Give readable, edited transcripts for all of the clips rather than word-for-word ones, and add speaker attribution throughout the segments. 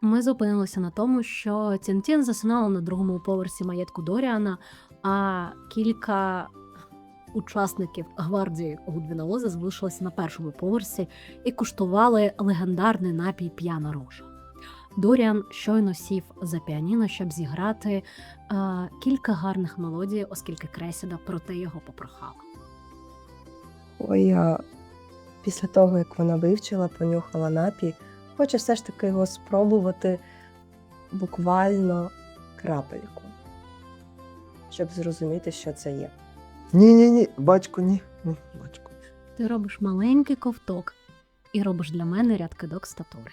Speaker 1: Ми зупинилися на тому, що Тінтін засинала на другому поверсі маєтку Доріана, а кілька учасників гвардії Гудвіна Лоза залишилися на першому поверсі і куштували легендарний напій «П'яна рожа». Доріан щойно сів за піаніно, щоб зіграти кілька гарних мелодій, оскільки Кресіда проте його попрохала.
Speaker 2: Ой, а після того, як вона вивчила, понюхала напій, хоче все ж таки його спробувати буквально крапельку, щоб зрозуміти, що це є.
Speaker 3: Ні, батько, ні, батько.
Speaker 1: Ти робиш маленький ковток і робиш для мене ряд кидок статури.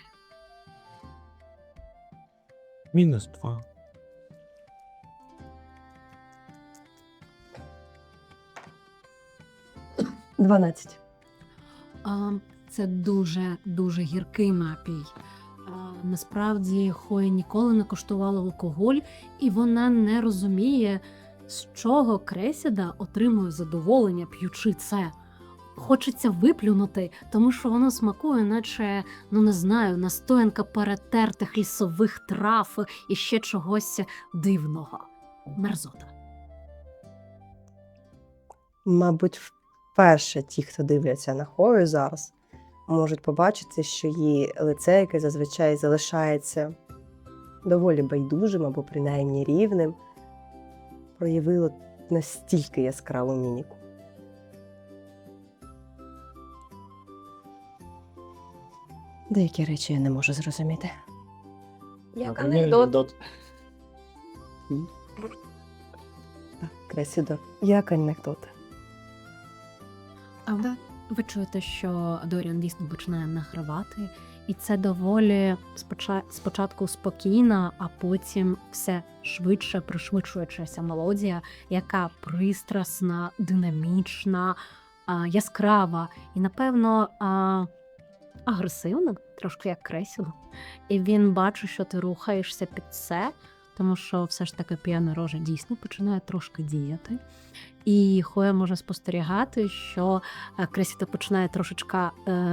Speaker 3: -2.
Speaker 2: 12.
Speaker 1: Це дуже гіркий напій. Насправді Хоя ніколи не куштувала алкоголь, і вона не розуміє, з чого Кресіда отримує задоволення, п'ючи це. Хочеться виплюнути, тому що воно смакує, наче, не знаю, настоянка перетертих лісових трав і ще чогось дивного. Мерзота.
Speaker 2: Мабуть, вперше ті, хто дивляться на Хою зараз, можуть побачити, що її лице, яке зазвичай залишається доволі байдужим або принаймні рівним, проявило настільки яскраву міміку. Деякі речі я не можу зрозуміти.
Speaker 4: Як анекдот.
Speaker 2: Так, Кресідо, як анекдот.
Speaker 1: Ви чуєте, що Доріан дійсно починає награвати, і це доволі спочатку спокійна, а потім все швидше пришвидшуючася мелодія, яка пристрасна, динамічна, яскрава і, напевно, агресивна, трошки як Кресіда. І він бачить, що ти рухаєшся під це, тому що все ж таки «П'яна рожа» дійсно починає трошки діяти. І Хоя може спостерігати, що Кресіда починає трошечка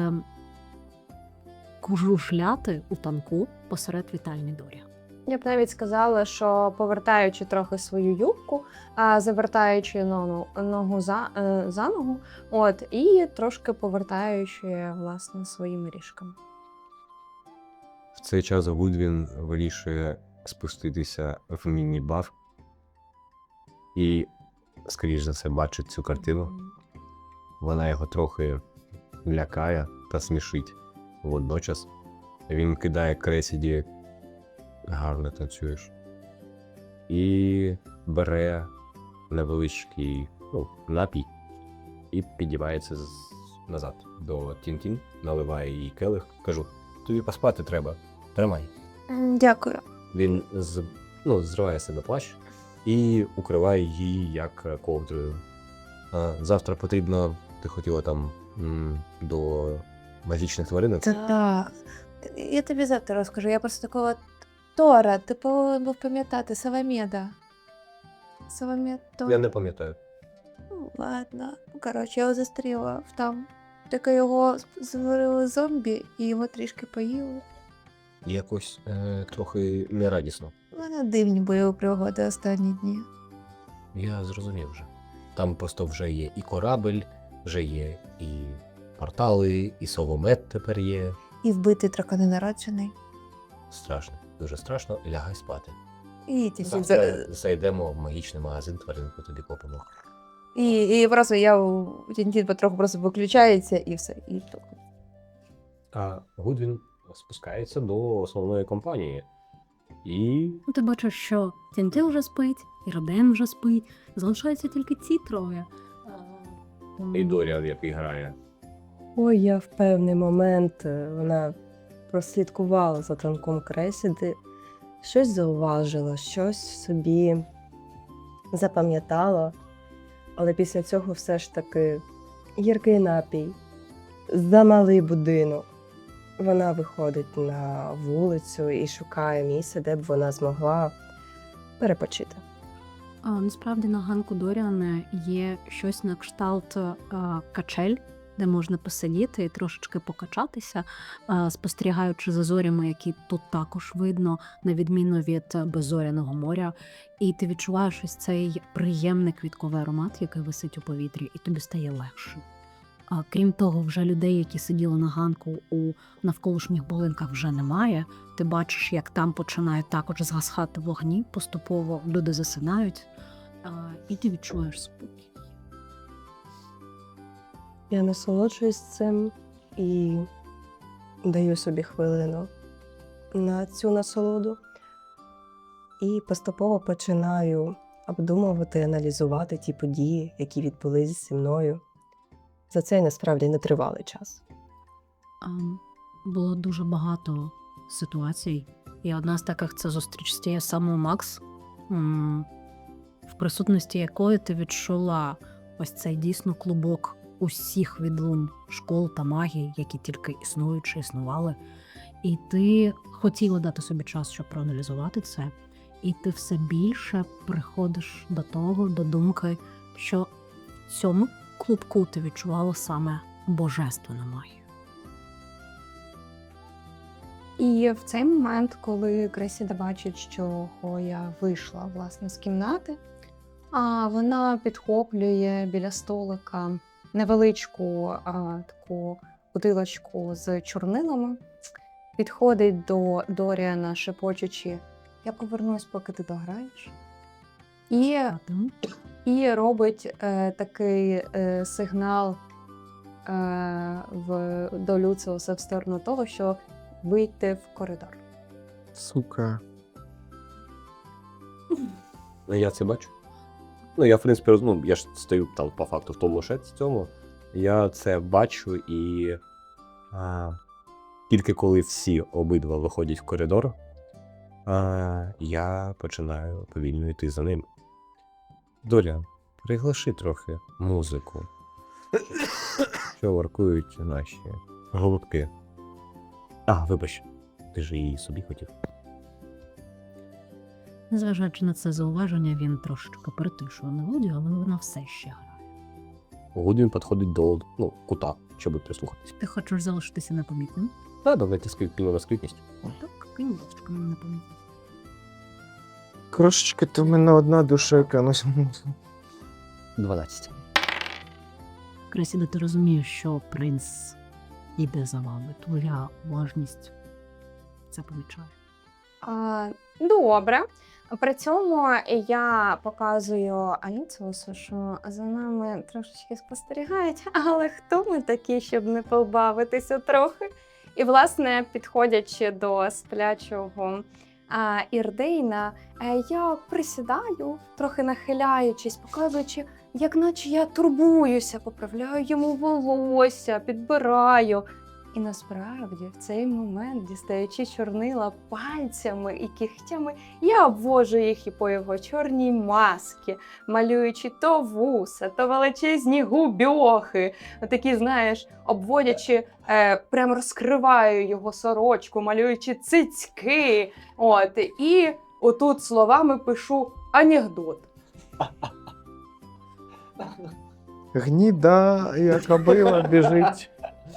Speaker 1: кужушляти у танку посеред вітальні Доріана.
Speaker 4: Я б навіть сказала, що повертаючи трохи свою юбку, завертаючи ногу за ногу, і трошки повертаючи, власне, своїми ріжками.
Speaker 3: В цей час Гудвін вирішує спуститися в міні-бар і, скоріш за все, бачить цю картину. Вона його трохи лякає та смішить водночас. Він кидає Кресіді «гарно танцюєш» і бере невеличкий напій і підіймається назад до Тінтін, наливає їй келих. Кажу: тобі поспати треба, тримай.
Speaker 4: Дякую.
Speaker 3: Він зриває себе плащ і укриває її як ковдрою. Завтра потрібно, ти хотіла там до магічних тваринок?
Speaker 4: Так. Я тобі завтра розкажу. Я просто такого Тора, ти повинен був пам'ятати, Савамеда.
Speaker 3: Я не пам'ятаю.
Speaker 4: Ладно. Коротше, я його застріла там. Таке його зварили зомбі і його трішки поїли.
Speaker 3: Якось трохи нерадісно.
Speaker 4: У мене дивні бойові пригоди останні дні.
Speaker 3: Я зрозумів вже. Там просто вже є і корабель, вже є і портали, і совомет тепер є.
Speaker 4: І вбитий драконенароджений.
Speaker 3: Страшно, дуже страшно. Лягай спати.
Speaker 4: І ті всі
Speaker 3: Зайдемо в магічний магазин, тваринку тобі купимо.
Speaker 4: І просто Тінтін потроху просто виключається і все.
Speaker 3: А Гудвін спускається до основної компанії. І
Speaker 1: Ти бачиш, що Тінтін вже спить, і Роден вже спить, залишаються тільки ці троє.
Speaker 3: Доріан, який грає.
Speaker 2: Ой, я в певний момент вона прослідкувала за танком Кресіди, щось зауважила, щось собі запам'ятала, але після цього все ж таки гіркий напій, замалий будинок. Вона виходить на вулицю і шукає місце, де б вона змогла перепочити.
Speaker 1: Насправді на ганку Доріана є щось на кшталт качель, де можна посидіти і трошечки покачатися, спостерігаючи за зорями, які тут також видно, на відміну від беззоряного моря. І ти відчуваєш ось цей приємний квітковий аромат, який висить у повітрі, і тобі стає легше. Крім того, вже людей, які сиділи на ганку у навколишніх будинках, вже немає. Ти бачиш, як там починають також згасати вогні, поступово люди засинають, і ти відчуваєш спокій.
Speaker 2: Я насолоджуюсь цим і даю собі хвилину на цю насолоду. І поступово починаю обдумувати, аналізувати ті події, які відбулись зі мною. За цей насправді нетривалий час.
Speaker 1: Було дуже багато ситуацій. І одна з таких – це зустріч з тією самою Макс, в присутності якої ти відчула ось цей дійсно клубок усіх відлунь школ та магії, які тільки існують чи існували. І ти хотіла дати собі час, щоб проаналізувати це. І ти все більше приходиш до того, до думки, що в цьому клубку ти відчувала саме божественну магію.
Speaker 4: І в цей момент, коли Кресіда бачить, що Хоя вийшла, власне, з кімнати, вона підхоплює біля столика невеличку таку бутилочку з чорнилами, підходить до Доріана, шепочучи: «Я повернусь, поки ти дограєш». І робить такий сигнал до Люциуса в сторону того, що вийти в коридор.
Speaker 5: Сука.
Speaker 3: Я це бачу. Я, в принципі, я ж стою там по факту в тому шеці цьому. Я це бачу і тільки коли всі обидва виходять в коридор, я починаю повільно йти за ним. Доріан, приглаши трохи музику, що воркують наші голубки. Вибач, ти ж її собі хотів.
Speaker 1: Незважаючи на це зауваження, він трошечки перетишує мелодію, але вона все ще грає.
Speaker 3: Гудвін підходить до кута, щоб прислухатися.
Speaker 1: Ти хочеш залишитися непомітним?
Speaker 3: Давайте кинемо на скритність.
Speaker 1: Так, кинь, будь ласка, мене непомітним.
Speaker 5: Крошечки, ти в мене одна душека.
Speaker 3: 12.
Speaker 1: Кресіда, ти розумієш, що принц іде за вами. Твоя уважність це помічає.
Speaker 4: Добре. При цьому я показую Аліціусу, що за нами трошечки спостерігають, але хто ми такі, щоб не побавитися трохи? І, власне, підходячи до сплячого Ірдейна, я присідаю, трохи нахиляючись, показуючи, як наче я турбуюся, поправляю йому волосся, підбираю. І насправді в цей момент, дістаючи чорнила пальцями і кігтями, я обвожу їх і по його чорній масці, малюючи то вуса, то величезні губьохи, такі, знаєш, обводячи, прямо розкриваю його сорочку, малюючи цицьки. І отут словами пишу анекдот.
Speaker 5: Гніда, яка била, біжить.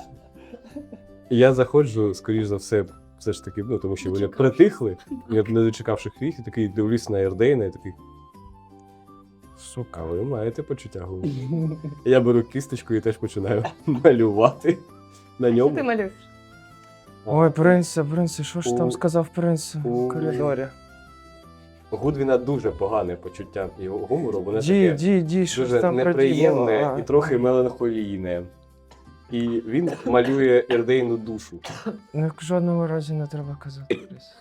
Speaker 3: Я заходжу, скоріш за все ж таки, тому що вони притихли, я не дочекавши їх, і такий дивлюсь на Ірдейна і такий: сука, ви маєте почуття гумору. Я беру кісточку і теж починаю малювати на
Speaker 4: Що
Speaker 3: ньому.
Speaker 4: ти малюєш?
Speaker 5: Ой, принце, що ж там сказав принц у коридорі?
Speaker 3: Гудвіна дуже погане почуття його гумору, воно таке
Speaker 5: Ді, що ж
Speaker 3: дуже
Speaker 5: там
Speaker 3: неприємне
Speaker 5: проділо?
Speaker 3: і трохи меланхолійне. І він малює Ірдейну душу.
Speaker 5: В жодному разі не треба казати, Крис.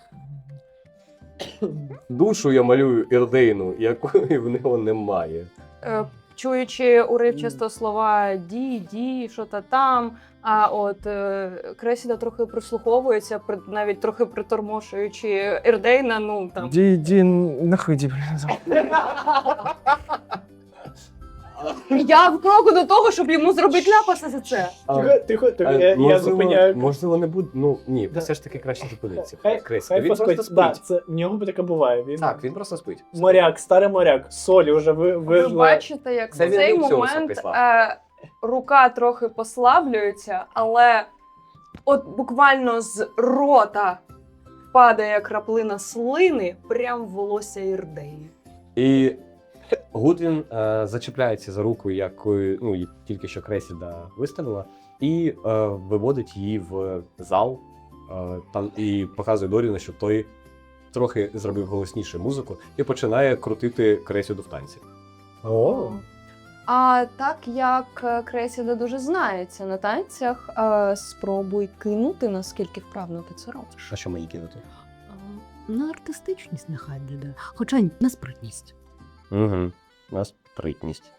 Speaker 3: Душу я малюю Ірдейну, якої в нього немає.
Speaker 4: Чуючи уривчасто слова «ді», що-то там, Кресіда трохи прислуховується, навіть трохи притормошуючи Ірдейна, там.
Speaker 5: Ді, нахиді, блін.
Speaker 4: Я в кроку до того, щоб йому зробити ляпаса за це.
Speaker 6: Тихо, я зупиняю.
Speaker 3: Можливо, не буде. Ні, все ж таки краще зупинитися.
Speaker 6: Хай
Speaker 3: Він просто спить.
Speaker 6: це в нього таке буває. Він
Speaker 3: Так, він просто спить.
Speaker 6: моряк, старий моряк, солі вже
Speaker 4: Ви
Speaker 6: вижила.
Speaker 4: бачите, як
Speaker 3: Це
Speaker 4: в
Speaker 3: він
Speaker 4: цей
Speaker 3: Люціуса
Speaker 4: момент
Speaker 3: прислав.
Speaker 4: рука трохи послаблюється, але от буквально з рота падає краплина слини прям в волосся Ірдеї.
Speaker 3: І Гудвін зачіпляється за руку, якою тільки що Кресіда виставила, і виводить її в зал і показує Доріну, щоб той трохи зробив голосніше музику і починає крутити Кресіду в танці.
Speaker 6: О,
Speaker 4: А так як Кресіда дуже знається на танцях, спробуй кинути, наскільки вправно ти це робиш.
Speaker 3: А що мені кинути?
Speaker 1: На артистичність нехай буде, хоча й на спритність.
Speaker 3: Угу. У нас спритність.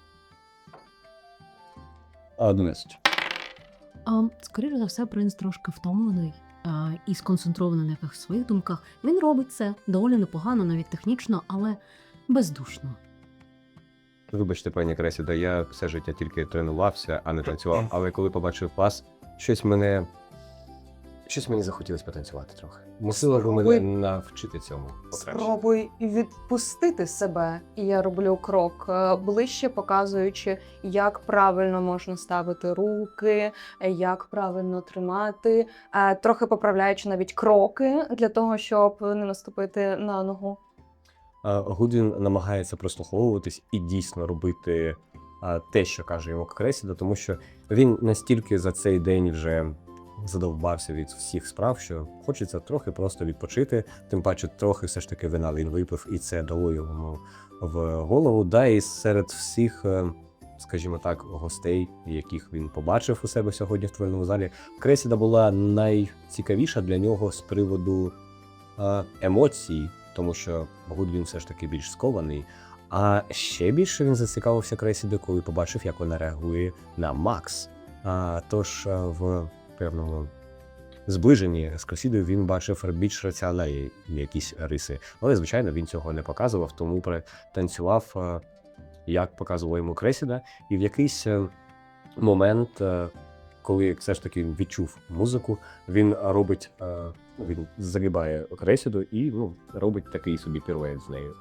Speaker 3: 11.
Speaker 1: Скоріше за все, принц трошки втомлений і сконцентрований на якихось своїх думках. Він робить це доволі непогано, навіть технічно, але бездушно.
Speaker 3: Вибачте, пані Кресіда, я все життя тільки тренувався, а не танцював. Але коли побачив вас, щось мені захотілося потанцювати трохи. Мусила ж мене навчити цьому покраще.
Speaker 4: Спробуй відпустити себе. І я роблю крок ближче, показуючи, як правильно можна ставити руки, як правильно тримати, трохи поправляючи навіть кроки для того, щоб не наступити на ногу.
Speaker 3: Гудвін намагається прослуховуватись і дійсно робити те, що каже йому Кресіда, тому що він настільки за цей день вже задовбався від всіх справ, що хочеться трохи просто відпочити, тим паче трохи все ж таки вина він випив, і це дало йому в голову. Да, і серед всіх, скажімо так, гостей, яких він побачив у себе сьогодні в твоєму залі, Кресіда була найцікавіша для нього з приводу емоцій, тому що Гудвін все ж таки більш скований. А ще більше він зацікавився Кресідою, коли побачив, як вона реагує на Макс. Тож в певному зближенні з Кресідою він бачив більш раціональні якісь риси. Але, звичайно, він цього не показував, тому танцював, як показувала йому Кресіда. І в якийсь момент, коли все ж таки відчув музику, він робить, він загибає Кресіду і робить такий собі пірует з нею.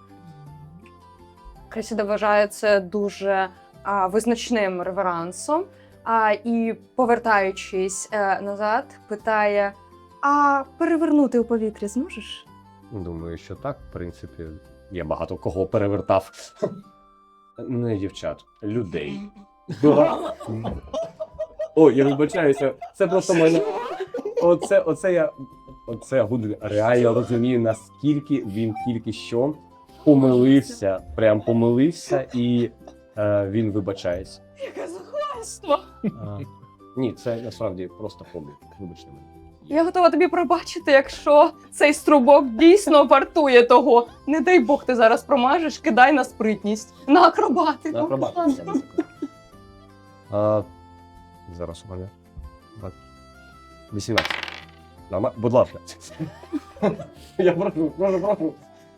Speaker 4: Кресіда вважає це дуже визначним реверансом. І, повертаючись назад, питає: а перевернути у повітрі зможеш?
Speaker 3: Думаю, що так, в принципі, я багато кого перевертав. Не дівчат, людей. Ой, я вибачаюся, це просто мене. Оце Гудвін реально розумію, наскільки він тільки що помилився, прям помилився, і він вибачається.
Speaker 4: Яке захвальство!
Speaker 3: Ні, це насправді просто помилка. Вибачте мене.
Speaker 4: Я готова тобі пробачити, якщо цей струбок дійсно вартує того. Не дай Бог ти зараз промажеш, кидай на спритність, на акробатику.
Speaker 3: На акробатику. Зараз у мене 18. Будь ласка. Я прошу.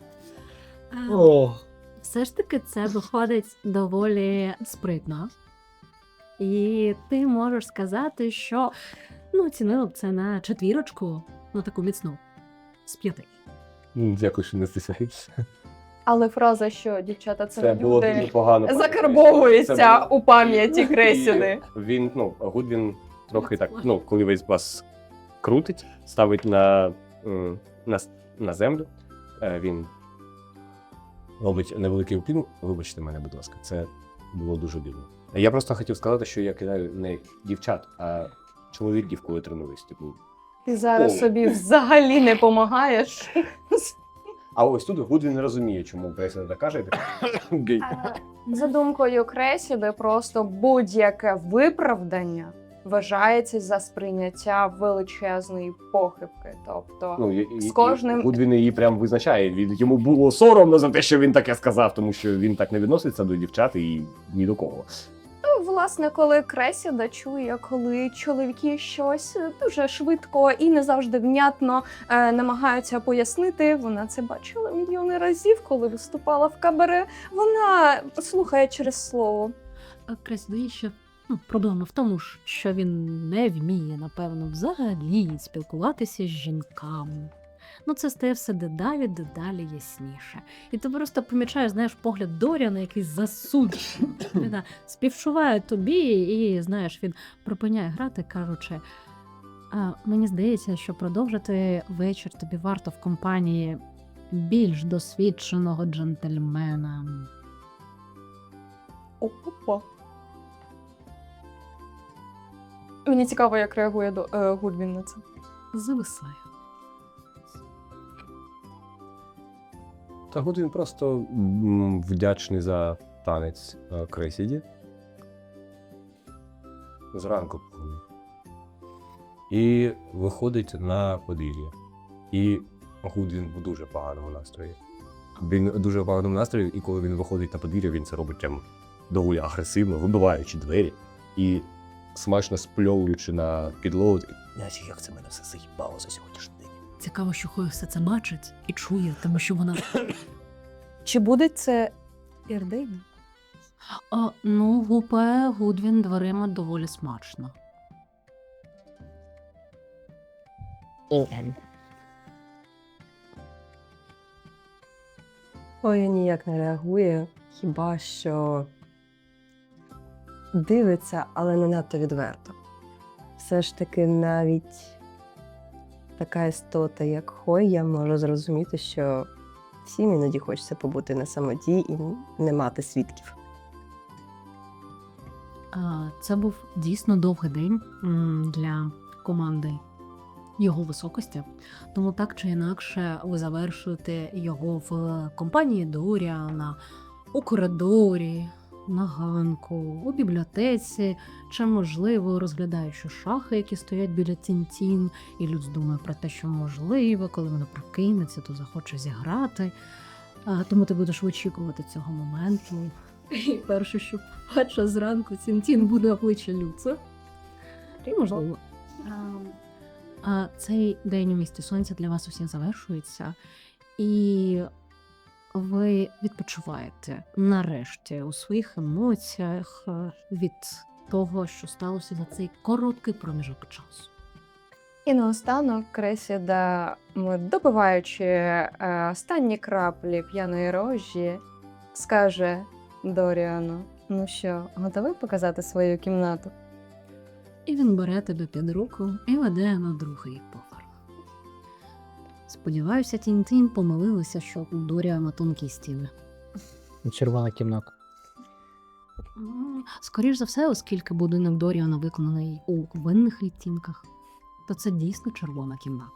Speaker 1: Все ж таки це виходить доволі спритно. І ти можеш сказати, що оцінила б це на 4, на таку міцну, з 5.
Speaker 3: Дякую, що не стисяєшся.
Speaker 4: Але фраза, що дівчата це
Speaker 3: Це
Speaker 4: не
Speaker 3: було
Speaker 4: люди,
Speaker 3: дуже погано.
Speaker 4: закарбовується
Speaker 3: Це було-
Speaker 4: у пам'яті Кресіди.
Speaker 3: Він, Гудвін трохи так, коли весь вас крутить, ставить на землю, він робить невеликий уклін. Вибачте мене, будь ласка, це було дуже дивно. Я просто хотів сказати, що я кидаю не дівчат, а чоловіків, коли тренуюсь. Типу.
Speaker 4: Ти зараз
Speaker 3: О.
Speaker 4: собі взагалі не помагаєш.
Speaker 3: А ось тут Гудвін не розуміє, чому Кресіда так каже. Гей.
Speaker 4: За думкою Кресіди, просто будь-яке виправдання вважається за сприйняття величезної похибки. Тобто з кожним-
Speaker 3: Гудвін її прям визначає. Йому було соромно за те, що він таке сказав, тому що він так не відноситься до дівчат і ні до кого.
Speaker 4: власне, коли Кресіда чує, коли чоловіки щось дуже швидко і не завжди внятно намагаються пояснити, вона це бачила мільйони разів, коли виступала в кабаре. Вона слухає через слово.
Speaker 1: Кресіда є ще проблема в тому, що він не вміє, напевно, взагалі спілкуватися з жінками. Ну, це стає все дедалі ясніше. І ти просто помічаєш, знаєш, погляд Доріана, який засуджений. Він співчуває тобі, і, знаєш, він припиняє грати, кажучи, мені здається, що продовжити вечір тобі варто в компанії більш досвідченого джентльмена.
Speaker 4: Опа. Мені цікаво, як реагує Гудвін на це.
Speaker 1: Зависає.
Speaker 3: Та Гудвін просто вдячний за танець Кресіді. Зранку. І виходить на подвір'я. І Гудвін в дуже поганому настрої. Він в дуже поганому настрої, і коли він виходить на подвір'я, він це робить прям доволі агресивно, вибиваючи двері і смачно спльовуючи на підлогу. Як це мене все заїбало за сьогоднішній день.
Speaker 1: Цікаво, що Хоя все це бачить і чує, тому що вона...
Speaker 4: Чи буде це Ірдейн?
Speaker 1: Ну, гупає Гудвін дверима доволі смачно.
Speaker 2: Ой, ніяк не реагує, хіба що дивиться, але не надто відверто. Все ж таки навіть така істота, як Хойя, може зрозуміти, що всім іноді хочеться побути на самоті і не мати свідків.
Speaker 1: Це був дійсно довгий день для команди його високості. Тому так чи інакше ви завершуєте його в компанії Доріана, у коридорі, на ганку, у бібліотеці, чи, можливо, розглядаючи шахи, які стоять біля Тінтін, і Люц думає про те, що, можливо, коли вона прокинеться, то захоче зіграти. Тому ти будеш очікувати цього моменту. І перше, що побачиш зранку, Тінтін буде обличчя Люца. І, можливо. Цей день у місті сонця для вас усіх завершується, і ви відпочиваєте нарешті у своїх емоціях від того, що сталося за цей короткий проміжок часу.
Speaker 4: І наостанок Кресіда, допиваючи останні краплі п'яної рожі, скаже Доріану: ну що, готовий показати свою кімнату?
Speaker 1: І він бере тебе під руку і веде на другий поверх. Сподіваюся, Тінтін помилилися, що у Доріана тонкі стіни.
Speaker 5: Червона кімната.
Speaker 1: Скоріш за все, оскільки будинок Доріана виконаний у винних відтінках, то це дійсно червона кімната.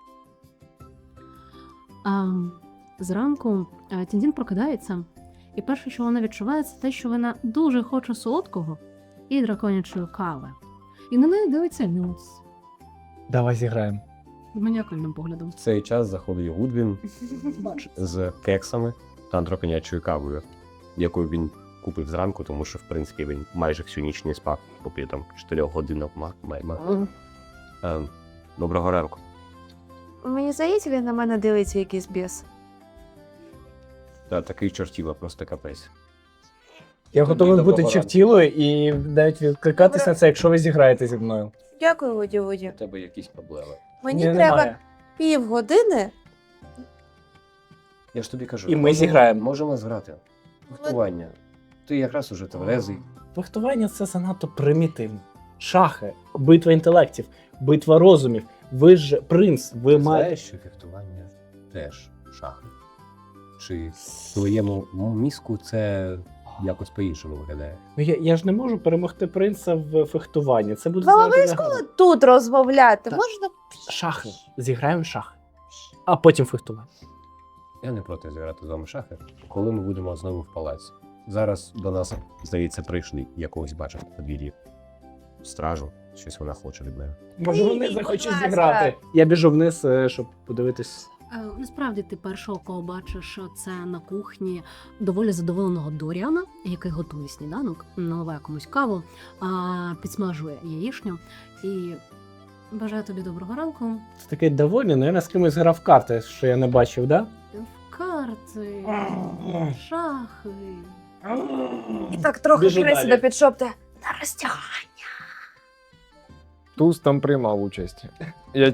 Speaker 1: Зранку Тінтін прокидається, і перше, що вона відчуває, це те, що вона дуже хоче солодкого і драконячої кави. І на неї дивиться Люц
Speaker 5: Давай зіграємо.
Speaker 1: з маніакальним поглядом.
Speaker 3: В цей час заходить Гудвін з кексами та драконячою кавою, яку він купив зранку, тому що, в принципі, він майже всю ніч не спав, попри там 4 годинок майма. Доброго ранку.
Speaker 7: Мені здається, він на мене дивиться якийсь біс.
Speaker 3: Та такий чортіла, просто капець.
Speaker 5: Я готовий
Speaker 3: Доброго
Speaker 5: бути
Speaker 3: ранку.
Speaker 5: чертілою і навіть відкликатись на це, якщо ви зіграєте зі мною.
Speaker 7: Дякую, Вуді.
Speaker 3: У тебе якісь проблеми.
Speaker 7: Мені
Speaker 5: Ні,
Speaker 7: треба
Speaker 5: немає.
Speaker 7: півгодини.
Speaker 3: Я ж тобі кажу.
Speaker 5: І ми зіграємо.
Speaker 3: Можемо зграти. Фехтування. Ти якраз уже тверезий.
Speaker 5: Фехтування – це занадто примітивно. Шахи, битва інтелектів, битва розумів. Ви ж принц, ви
Speaker 3: Ти
Speaker 5: маєте...
Speaker 3: знаєш, що фехтування теж шахи? Чи в твоєму мізку це якось по-іншому виглядає?
Speaker 5: Ну, я ж не можу перемогти принца в фехтуванні. Це буде
Speaker 7: Вам
Speaker 5: занадто
Speaker 7: обов'язково
Speaker 5: негарно.
Speaker 7: тут розмовляти.
Speaker 5: Так.
Speaker 7: Можна?
Speaker 5: Шахи. Зіграємо в шахи. А потім фехтування.
Speaker 3: Я не проти зіграти з вами шахи, коли ми будемо знову в палаці. Зараз до нас, здається, прийшли якогось бачив на подвір'ї стражу. Щось вона хоче від мене.
Speaker 5: Може, вони
Speaker 7: Ні,
Speaker 5: захочуть
Speaker 7: будь ласка.
Speaker 5: зіграти. Я біжу вниз, щоб подивитись.
Speaker 1: Насправді ти першого, кого бачиш, це на кухні доволі задоволеного Доріана, який готує сніданок, наливає комусь каву, підсмажує яєчню і бажаю тобі доброго ранку.
Speaker 5: Це такий довольний, але я з кимось грав в карти, що я не бачив, да?
Speaker 1: В карти, шахи.
Speaker 7: І так трохи
Speaker 5: Біжу
Speaker 7: Кресіда
Speaker 5: далі.
Speaker 7: підшопте. На розтягання.
Speaker 8: Туз там приймав участь. Я чув.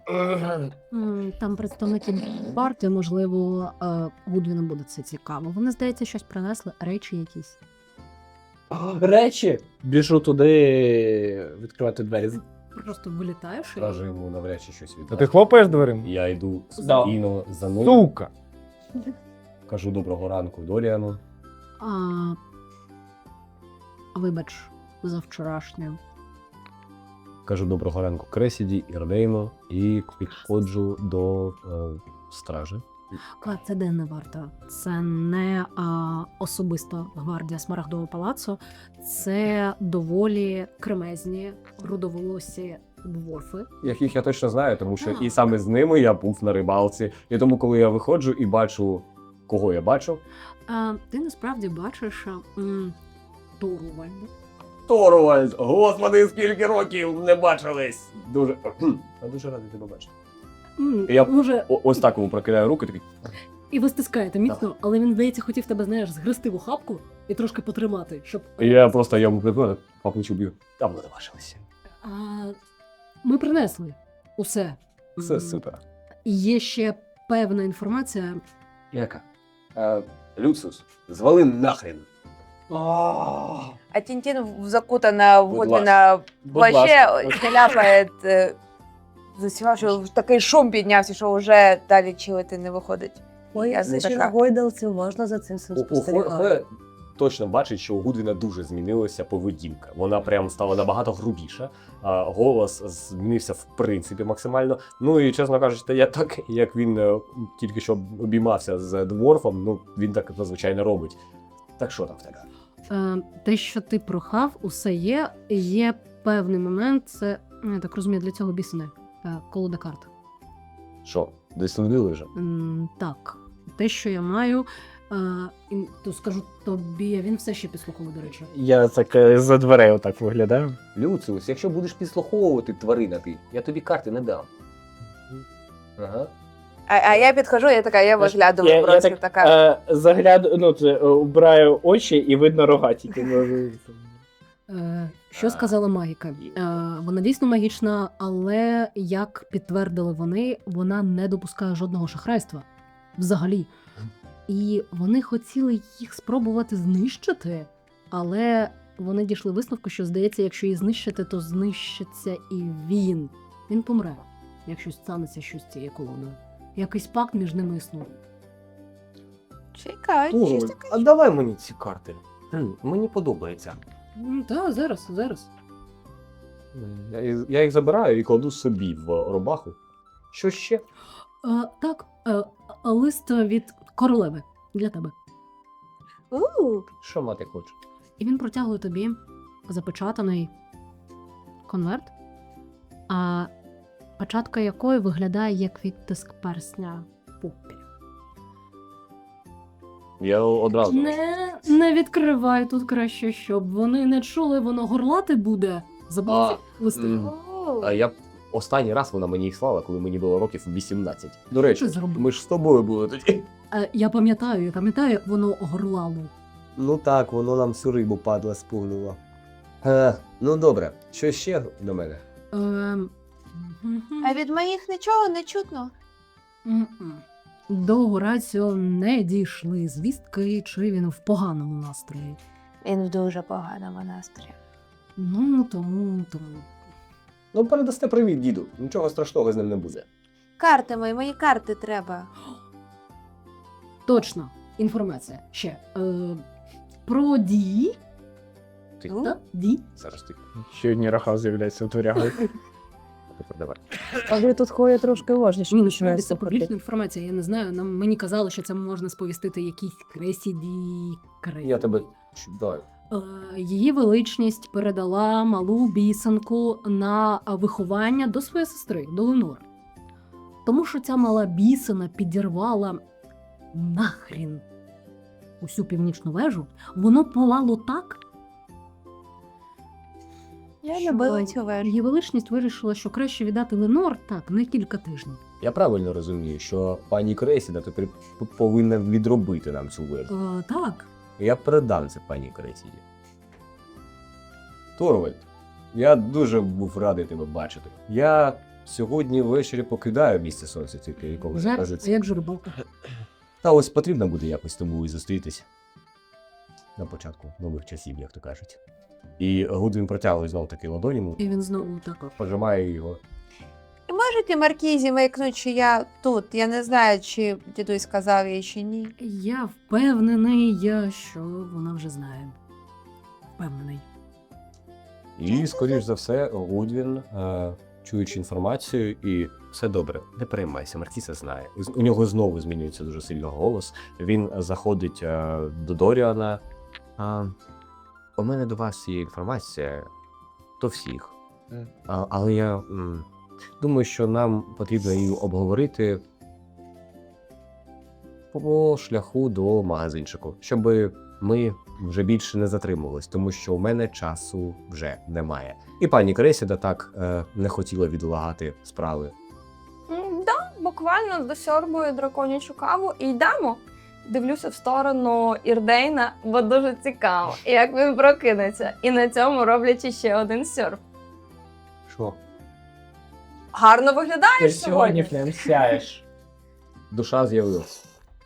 Speaker 1: Там представники варти, можливо, Гудвіну буде це цікаво. Вони, здається, щось принесли, речі якісь.
Speaker 5: Речі! Біжу туди відкривати двері.
Speaker 1: Просто вилітаєш і...
Speaker 3: Стража йому навряд чи щось
Speaker 6: А ти
Speaker 3: віддасть.
Speaker 6: хлопаєш дверима?
Speaker 3: Я йду
Speaker 5: Да.
Speaker 3: спокійно за ним,
Speaker 6: Сука!
Speaker 3: кажу доброго ранку Доріану.
Speaker 1: Вибач, за вчорашнє.
Speaker 3: Кажу доброго ранку Кресіді, Ірдейно і підходжу до стражі.
Speaker 1: Це денна варта. Це не особиста гвардія Смарагдового палацу. Це доволі кремезні, рудоволосі дворфи.
Speaker 3: Яких я точно знаю, тому що
Speaker 1: А.
Speaker 3: і саме з ними я був на рибалці. І тому, коли я виходжу і бачу, кого я бачу,
Speaker 1: Ти насправді бачиш Торувальда.
Speaker 3: Торвальд! Господи, скільки років не бачились! Дуже я дуже радий тебе бачити. Я-
Speaker 1: Може,
Speaker 3: Ось так йому прокидаю руки, такий.
Speaker 1: і ви стискаєте міцно, але він, здається, хотів тебе, знаєш, згрести в охапку і трошки потримати, щоб.
Speaker 3: І я просто йому припинив, по плечу б'ю. Там не бачилися.
Speaker 1: Ми принесли усе.
Speaker 3: Все супер.
Speaker 1: І є ще певна інформація.
Speaker 3: Яка? Люциус, звали нахрен.
Speaker 7: А Тинтин закутана в
Speaker 3: Будь
Speaker 7: Гудвіна
Speaker 5: Будь
Speaker 7: плаще,
Speaker 5: ласка.
Speaker 7: ляпає, засівав, що такий шум піднявся, що вже далі чилити не виходить.
Speaker 2: Ой,
Speaker 7: Я
Speaker 2: це ще
Speaker 7: така.
Speaker 2: на гойдалці, можна за цим всім спостерігати.
Speaker 3: Хе точно бачить, що у Гудвіна дуже змінилася поведінка. Вона прям стала набагато грубіша, голос змінився в принципі максимально. Ну і чесно кажучи, я так, як він тільки що обіймався з дворфом, ну він так зазвичай не робить. Так що там в тебе?
Speaker 1: Те, що ти прохав, усе є. Є певний момент, це, я так розумію, для цього бісене колода карт.
Speaker 3: Що, десь судили вже?
Speaker 1: Так, те, що я маю, то скажу тобі, він все ще підслуховує, до речі.
Speaker 5: Я так за дверей отак виглядаю.
Speaker 3: Люциус, якщо будеш підслуховувати тварина ти, я тобі карти не дам. Ага.
Speaker 7: А я підходжу, я така, я виглядаю
Speaker 5: Я
Speaker 7: просто
Speaker 5: так
Speaker 7: така.
Speaker 5: загляду, ну, це, убираю очі і видно рога тільки.
Speaker 1: Що сказала магіка? Вона дійсно магічна, але як підтвердили вони, вона не допускає жодного шахрайства взагалі. І вони хотіли їх спробувати знищити, але вони дійшли висновку, що здається, якщо її знищити, то знищиться і він. Він помре, якщо станеться щось з цією колоною. Якийсь пакт між ними існує.
Speaker 7: Чекай, щось таке.
Speaker 3: А давай мені ці карти. Мені подобається.
Speaker 1: Так, зараз.
Speaker 3: Я їх забираю і кладу собі в робаху. Що ще?
Speaker 1: Так, лист від королеви для тебе.
Speaker 3: Що мати хоче?
Speaker 1: І він протягує тобі запечатаний конверт, а печатка якої виглядає як відтиск персня Поппі.
Speaker 3: Я одразу.
Speaker 1: Не відкривай тут краще, щоб вони не чули, воно горлати буде. Забудь листи.
Speaker 3: А я останній раз вона мені їх слала, коли мені було років 18. До речі,
Speaker 1: Що зробив?
Speaker 3: ми ж з тобою були тоді.
Speaker 1: Я пам'ятаю, як воно горлало.
Speaker 3: Ну так, воно нам всю рибу падла спугнуло. Ну добре, що ще до мене?
Speaker 7: А від моїх нічого не чутно.
Speaker 1: М-м. До Гораціо не дійшли звістки, чи він в поганому настрої.
Speaker 7: Він в дуже поганому настрої.
Speaker 1: Ну, тому.
Speaker 3: Ну, передасте привіт, діду. Нічого страшного з ним не буде.
Speaker 7: Карти мої карти треба.
Speaker 1: Точно, інформація. Ще. Про Ді.
Speaker 3: Ти
Speaker 1: Так? Ді.
Speaker 3: зараз ти.
Speaker 5: Ще одні раха з'являються в дверях.
Speaker 3: Тепер давай.
Speaker 2: А ви тут ходять трошки уважніше.
Speaker 1: Ні,
Speaker 2: починаєш
Speaker 1: це
Speaker 2: слухати.
Speaker 1: публічна інформація, я не знаю. Мені казали, що це можна сповістити якійсь Кресіді.
Speaker 3: Я тебе чудаю.
Speaker 1: Її величність передала малу бісенку на виховання до своєї сестри, до Ленор. Тому що ця мала бісена підірвала нахрін усю північну вежу, воно палало так.
Speaker 7: Я
Speaker 1: що
Speaker 7: любила цю вежу.
Speaker 1: Її величність вирішила, що краще віддати Ленор так, на кілька тижнів.
Speaker 3: Я правильно розумію, що пані Кресіда тепер повинна відробити нам цю вежу.
Speaker 1: Так.
Speaker 3: Я передам це пані Кресіді. Торвальд, я дуже був радий тебе бачити. Я сьогодні ввечері покидаю місце сонця, тільки коли
Speaker 1: Вже? А
Speaker 3: кажеться.
Speaker 1: як же рибалка?
Speaker 3: Та ось потрібно буде якось тому і зустрітись. На початку нових часів, як то кажуть. І Гудвін протягує знов таки ладоні,
Speaker 1: І він знову так.
Speaker 3: пожимає його.
Speaker 7: І можете Маркізі маякнути, що я тут. Я не знаю, чи дідусь сказав їй чи ні.
Speaker 1: Я впевнений, що вона вже знає. Впевнений.
Speaker 3: І, скоріш за все, Гудвін, чуючи інформацію, і все добре, не переймайся, Мартіса знає. У нього знову змінюється дуже сильно голос. Він заходить до Доріана. У мене до вас є інформація, до всіх. Але я думаю, що нам потрібно її обговорити по шляху до магазинчику, щоб ми вже більше не затримувались, тому що у мене часу вже немає. І пані Кресіда так не хотіла відлагати справи.
Speaker 4: Да, буквально досьорбую драконячу каву і йдемо. Дивлюся в сторону Ірдейна, бо дуже цікаво, як він прокинеться. І на цьому роблячи ще один сьорб.
Speaker 3: Що?
Speaker 4: Гарно
Speaker 5: Ти
Speaker 4: виглядаєш
Speaker 5: сьогодні
Speaker 4: сьогодні.
Speaker 5: прям сяєш.
Speaker 3: Душа з'явилась.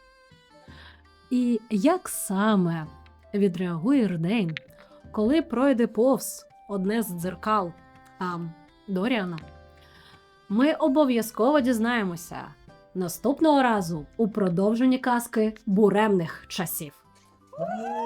Speaker 1: І як саме відреагує Ірдейн, коли пройде повз одне з дзеркал Доріана? Ми обов'язково дізнаємося наступного разу у продовженні казки буремних часів.